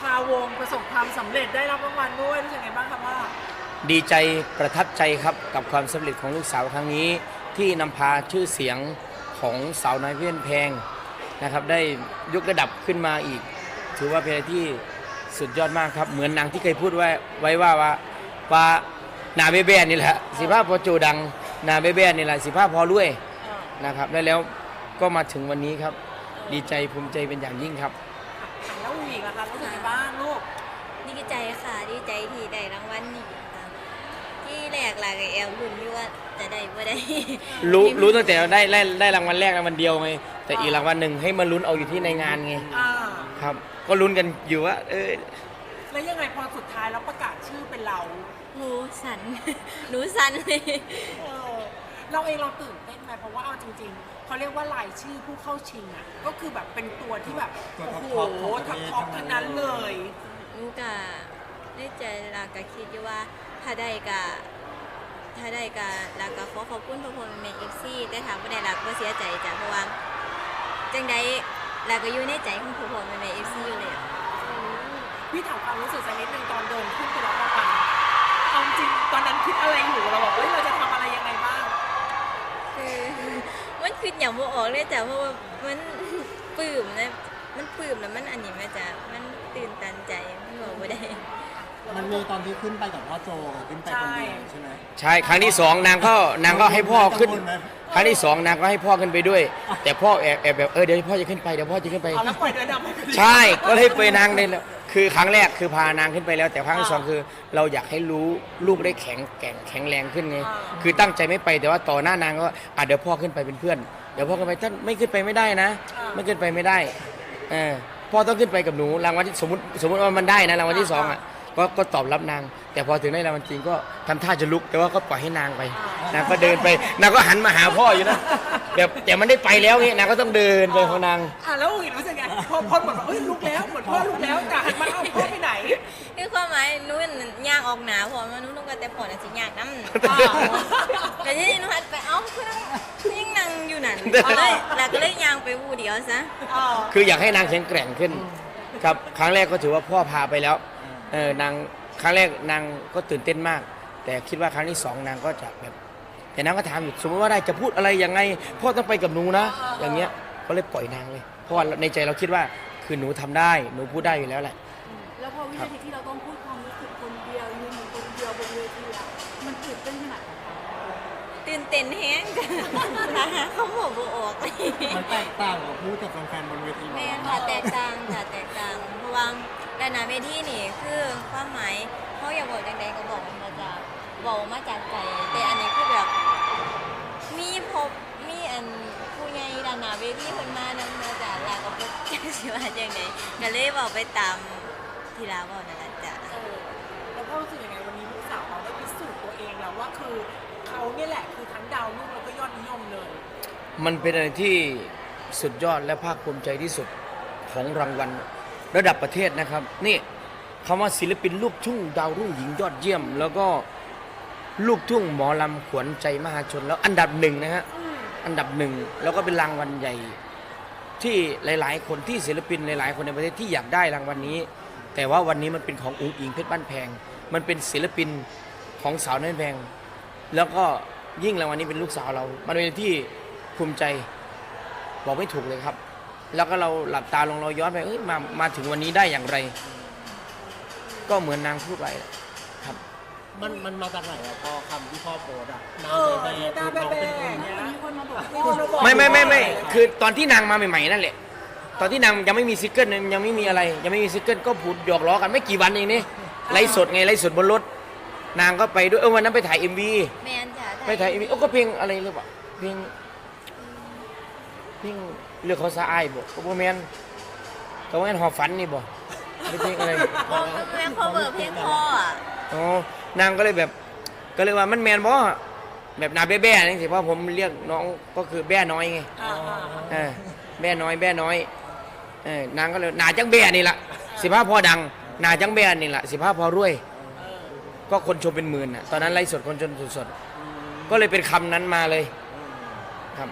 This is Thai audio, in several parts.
าวงประสบความสำเร็จได้รับรางวัลด้วยรู้สึกไงบ้างครับว่าดีใจประทับใจครับกับความสำเร็จของลูกสาวครั้งนี้ที่นำพาชื่อเสียงของสาวน้อยเพื่อนแพงนะครับได้ยกระดับขึ้นมาอีกถือว่าเป็นอะไรที่สุดยอดมากครับเหมือนนางที่เคยพูดไว้ว่านาเบเบ้นี่แหละสิภาพพอโจดังนาเบเบ้นี่แหละสิภาพพอรวยนะครับแล้วก็มาถึงวันนี้ครับดีใจภูมิใจเป็นอย่างยิ่งครับแล้วอูอีกล่ะคะรู้สึกไงบ้างลูกดีใจค่ะดีใจที่ได้รางวัลนี้ค่ะที่แรกหลักแอลลุ้นอยู่ว่าจะได้บ่ได้รู้ตั้งแต่ได้รางวัลแรกรางวัลเดียวไงแต่อีกรางวัลหนึ่งให้มาลุ้นเอาอยู่ที่ในงานไงครับก็ลุ้นกันอยู่ว่าแล้วยังไงพอสุดท้ายแล้วประกาศชื่อเป็นเราหนูสั่นหนูสั่นเลยเราเองเราตื่นเต้นไหมเพราะว่าเอาจริงๆเขาเรียกว่ารายชื่อผู้เข้าชิงอ่ะก็คือแบบเป็นตัวที่แบบโอ้โหท็อปทั้งนั้นเลยหนูก็ได้ใจลากะคิดอยู่ว่าถ้าได้กะลากะขอบคุณทุกคนในเอฟซีแต่ถามว่าได้ลากก็เสียใจจ้ะเพราะว่าจังใดลากก็อยู่ในใจของทุกคนในเอฟซีอยู่เลยพี่ถามความรู้สึกสักนิดนึงตอนเดินขึ้นไปรับรางวัลเอาจริงตอนนั้นคิดอะไรอยู่เราบอกเราจะทำอะไรยังไงบ้างคือมันคิดอย่างบ่ออกเลยจ้ะเพราะว่ามันปลื้มนะมันปลื้มแล้วมันอันนี้มาจ้ะมันตื่นตันใจมันบอกบ่ได้มันมีตอนที่ขึ้นไปกับพ่อโจขึ้นไปคนเดียวใช่ไหมใช่ครั้งที่สองนางก็ให้พ่อขึ้นครั้งที่สองนางก็ให้พ่อขึ้นไปด้วยแต่พ่อแอบแบบเดี๋ยวพ่อจะขึ้นไปเดี๋ยวพ่อจะขึ้นไปแล้วปล่อยเดินดำใช่ก็เลยไปนางเลยคือครั้งแรกคือพานางขึ้นไปแล้วแต่ครั้งที่สองคือเราอยากให้รู้ลูกได้แข็งแรงขึ้นไงคือตั้งใจไม่ไปแต่ว่าต่อหน้านางก็เดี๋ยวพ่อขึ้นไปเป็นเพื่อนเดี๋ยวพ่อขึ้นไปท่านไม่ขึ้นไปไม่ได้นะไม่ขึ้นไปไม่ได้พ่อต้องขึ้นไปกับหนูรางวัลที่สมมติว่ามันได้นะรางวัลที่สองก็ตอบรับนางแต่พอถึงได้รางวัลจริงก็ทำท่าจะลุกแต่ว่าก็ปล่อยให้นางไปนางก็เดินไปนางก็หันมาหาพ่ออยู่นะแบบแต่มันได้ไปแล้วนี่นางก็ต้องเดินไปของนางแล้วอีกรู้สึกไงพอเหมือนลุกแล้วเหมือนพ่อลุกแล้วแต่หันมาเอาพ่อไปไหนคือความหมายนู้นย่างออกหนาพอมานู้นก็แต่พอน่ะสิย่างน้ำแต่ที่นู้นหันไปคือยังนั่งอยู่นั่นเลยแล้วก็เลยย่างไปวูเดียวซะคืออยากให้นางแข็งแกร่งขึ้นครับครั้งแรกก็ถือว่าพ่อพาไปแล้วนางครั้งแรกนางก็ตื่นเต้นมากแต่คิดว่าครั้งที่สองนางก็จะแบบแต่นางก็ถามอยู่สมมติว่าได้จะพูดอะไรยังไงพ่อต้องไปกับหนูนะอย่างเงี้ยก็เลยปล่อยนางเลยเพราะว่าในใจเราคิดว่าคือหนูทำได้หนูพูดได้อยู่แล้วแหละแล้วพอวินาทีที่เราต้องพูดความรู้สึกคนเดียวยืนอยู่คนเดียวบนเวทีอะมันตื่นเต้นขนาดไหนตื่นเต้นแห้งเขาบอกบ่ออกมันแตกต่างกับพูดกับแฟนๆบนเวทีแม่ค่ะแตกต่างเพราะว่าแต่หน้าเวทีนี่คือความหมายเขาอยากบอกจังใดก็บอกมันมาจากใจแต่อันนี้คือแบบมีอันผู้ใหญ่ด้านหน้าเวทีเพิ่นมานำมาจากลาก็บ่จักสิว่าจังได๋ก็เลยบอกไปตามที่ลาบอกนั่นแหละจ้ะแล้วพ่อรู้สึกยังไงวันนี้ลูกสาวเราได้พิสูจน์ตัวเองแล้วว่าคือเขาเนี่ยแหละคือทั้งดาวรุ่งแล้วก็ยอดนิยมเลยมันเป็นอะไรที่สุดยอดและภาคภูมิใจที่สุดของรางวัลระดับประเทศนะครับนี่คำว่าศิลปินลูกทุ่งดาวรุ่งหญิงยอดเยี่ยมแล้วก็ลูกทุ่งหมอลำขวัญใจมหาชนแล้วอันดับหนึ่งนะฮะอันดับหนึ่งแล้วก็เป็นรางวัลใหญ่ที่หลายๆคนที่ศิลปินหลายๆคนในประเทศที่อยากได้รางวัลนี้แต่ว่าวันนี้มันเป็นของอุ๋งอิงเพชรบ้านแพงมันเป็นศิลปินของสาวน้อยแพงแล้วก็ยิ่งรางวัลนี้เป็นลูกสาวเรามันเป็นที่ภูมิใจบอกไม่ถูกเลยครับแล้วก็เราหลับตาลงเราย้อนไปมาถึงวันนี้ได้อย่างไรก็เหมือนนางพูดไปครับมันมาจากไหนอะพอคำที่พ่อโพสอะนางแบบเป็นคนมีคนมาบอกไม่คือตอนที่นางมาใหม่ๆนั่นแหละตอนที่นางยังไม่มีซิงเกิลยังไม่มีอะไรยังไม่มีซิงเกิลก็พูดหยอกล้อกันไม่กี่วันเองนี่ไลฟ์สดไงไลฟ์สดบนรถนางก็ไปด้วยวันนั้นไปถ่าย MV แมนจ้ะไปถ่าย MV ก็เพลงอะไรหรือเปล่าเพลงเรื่องเขาสะอายบ่ก็บ่แม่นก็ว่าหอบฝันนี่บ่เพลงอะไรแม่พ่อเบิร์เพลงพ่ออ่ะอ๋อนางก็เลยแบบก็เลยว่ามันแม่นบ่แบบนาแบ้ๆนี่สิเพราะผมเรียกน้องก็คือแบ้น้อยไงแบ้น้อยนางก็เลยนาจังแบ้นี่ล่ะสิพาพอดังนาจังแบ้นี่ล่ะสิพาพอรวยก็คนชมเป็นหมื่นน่ะตอนนั้นไลฟ์สดคนชมสดๆก็เลยเป็นคำนั้นมาเลยครับ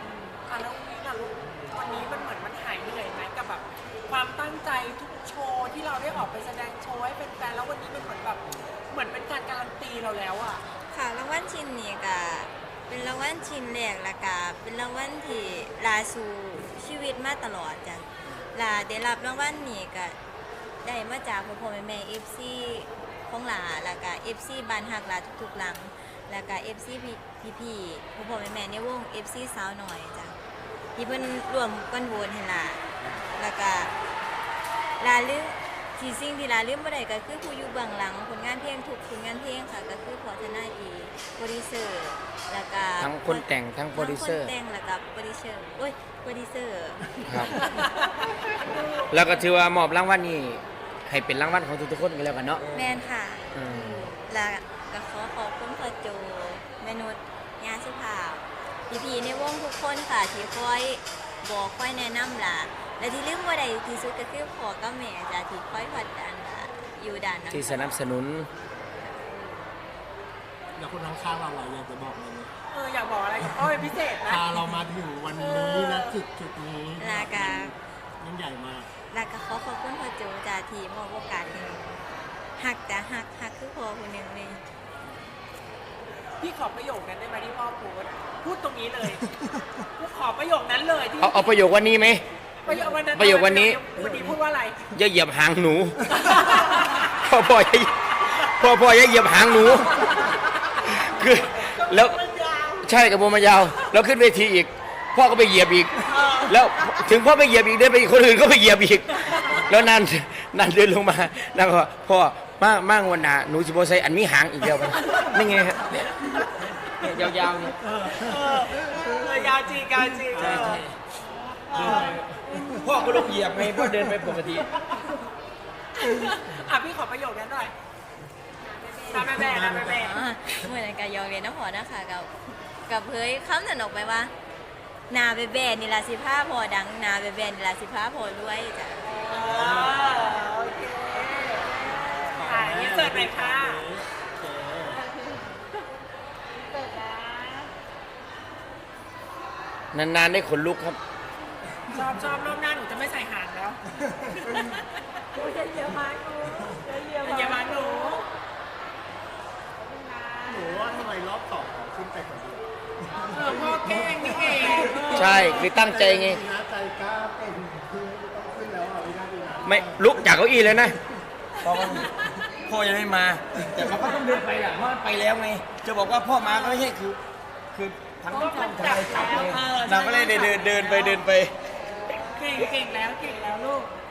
วันนี้มันเหมือนมันหายเหนื่อยไหมกับแบบความตั้งใจทุกโชว์ที่เราได้ออกอกไปแสดงโชว์ให้เป็นแฟนแล้ววันนี้เป็นเหมือนแบบเหมือนเป็นการการันตีเราแล้วอ่ะค่ะรางวัลชิ้นนี้ก็เป็นรางวัลชิ้นแรกและก็เป็นรางวัลที่ลาสู่ชีวิตมาตลอดจ้ะลาได้รับรางวัลนี้ก็ได้มาจากพ่อๆแม่ๆ FC ของลาแล้วก็ FC บ้านฮักลาทุกๆหลังแล้วก็ FC พี่ๆพ่อๆแม่ๆในวง FC สาวหน่อยจ้ะที่เพิ่นร่วมกันโหวตให้ลาแล้วก็ลาลืมที่สิ่งที่ลาลืมบ่ได้ก็คือผู้อยู่เบื้องหลังผลงานเพลงทุกผลงานเพลงค่ะก็คือพอทนายอีโปรดิวเซอร์แล้วก็ทั้งคนแต่งทั้งโปรดิวเซอร์ทั้งคนแต่งแล้วก็โปรดิวเซอร์โอ้ยโปรดิวเซอร์ครับ แล้วก็ถือว่ามอบรางวัลนี้ให้เป็นรางวัลของทุกๆคนกันแล้วกันเนาะแมนค่ะอืมแล้วก็ขอขอบคุณพ่อโจแม่นุชยาสุภาพพี่ๆในวงทุกคนค่ะที่คอยบอกคอยแนะนำล่ะและที่ลืมบ่ได้ที่สุดก็คือพ่อกับแม่จ้ะที่คอยผลักดันล่ะอยู่ด้านหลังที่สนับสนุนแล้วคนข้างๆเราอยากจะบอกอะไรไหมอยากบอกอะไรกับพ่อเป็นพิเศษนะพาเรามาถึงวันนี้นะจุดนี้แล้วก็ยิ่งใหญ่มากแล้วก็ขอขอบคุณพ่อโจจ้ะที่มอบโอกาสให้หนูหักจ้ะหักคือพ่อคนหนึ่งเลยพี่ขอประโยคนั้นได้ไหมที่พ่อโพสต์พูดตรงนี้เลยกูขอประโยคนั้นเลยที่เอาประโยควันนี้ไหมประโยควันนั้นประโยควันนี้วันนี้พูดว่าอะไรอย่าเหยียบหางหนู พ่ออย่าเหยียบหางหนู คือแล้วใช่กับโมมายาว แล้วขึ้นเวทีอีก พ่อก็ไปเหยียบอีก แล้วถึงพ่อไปเหยียบอีกเดินไปอีกคนอื่นก็ไปเหยียบอีก แล้วนั่นเดินลงมานั่นก็พ่อมั่งวันหนาหนูสิบโบไซอันมีหางอีกเดียวกันนี่ไงฮะเนี่ยยาวๆเนี่ยยาวจริงยาวจริงใช่ใช่พ่อก็ลงเหยียบไงพ่อเดินไปปกติพี่ขอประโยคนั้นหน่อยนะแม่นะแม่อ๋อเมื่อนั้นก็ยอมเรียนน้ำพอนะคะกับเผยคำนั้นออกไปว่า นาเบเบนี่ลาสิผ้าพอดังนาเบเบนี่ลาสิผ้าพอด้วยจ้ะโอเคยินเสิร์ตหน่อยค่ะนานๆได้ขนลุกครับชอบรอบหน้าหนูจะไม่ใส่หางแล้วอย่ามาหนูอย่ามาหนูหนูว่าทำไมรอบสองขึ้นไปคนเดียวพ่อแกล้งนี่เองใช่คือตั้งใจไงนะใจกล้าเป็นคือต้องขึ้นแล้วอ่ะวินาทีนั้นไม่ลุกจากเก้าอี้เลยนะพ่อยังไม่มา แต่มันก็ต้องเดินไปอ่ะเพราะมันไปแล้วไง จะบอกว่าพ่อมาก็ไม่ใช่คือทั้งช่องทางจับไงเราก็เลยเดินไปเก่งแล้วลูก